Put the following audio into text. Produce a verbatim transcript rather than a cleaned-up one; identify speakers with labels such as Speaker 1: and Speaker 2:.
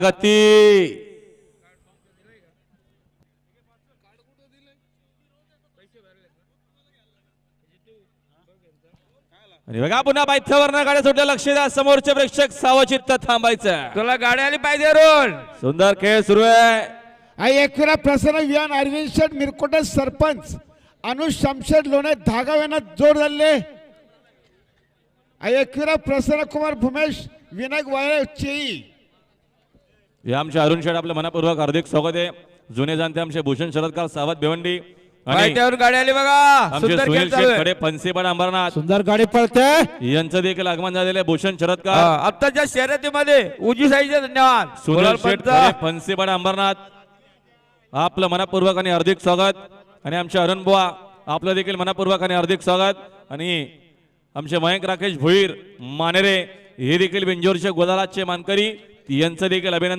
Speaker 1: गती आणि बघा पुन्हा बायथावरनं गाड्या सुटल्या. लक्ष द्या, समोरचे प्रेक्षक सावचित्त थांबायचं.
Speaker 2: तुला गाडी आली पाहिजे रोल.
Speaker 1: सुंदर खेळ सुरू आहे.
Speaker 3: आई एकविरा प्रसन्न विहान अरविंद शेठ मिरकोटे सरपंच अनुज शमशेर लोणे धागाव यांना जोर झाले. आई एकविरा प्रसन्न कुमार भूमेश विनायक वाळे चेई
Speaker 1: हे आमचे अरुण शेठ आपलं मनापूर्वक हार्दिक स्वागत आहे. जुने जाणते आमचे भूषण शरदकार सावत भिवंडी आणि
Speaker 2: पायथ्यावर गाडी आली बघा.
Speaker 1: आमचे
Speaker 2: सुंदर खेळ
Speaker 1: सुनील
Speaker 2: चालू
Speaker 1: शेठ
Speaker 2: आहे.
Speaker 1: खडे फनसेपाड अंबरनाथ
Speaker 3: सुंदर गाडी पळते.
Speaker 1: यांचं देखील आगमन झालेलं आहे. भूषण शरदकार
Speaker 2: हा, आत्ताच्या शर्यतीमध्ये उजी साईचे धन्यवाद.
Speaker 1: सुनील
Speaker 2: गुलाल
Speaker 1: शेठ
Speaker 2: पंत.
Speaker 1: खडे फनसेपाड अंबरनाथ आपलं मनापूर्वक आणि हार्दिक स्वागत. आणि आमचे अरुण बुवा आपलं देखील मनापूर्वक आणि हार्दिक स्वागत. आणि आमचे मयंक राकेश भोईर मानेरे हे देखील बिंजोरचे गोदालाचे मानकरी यांचं देखील अभिनंदन.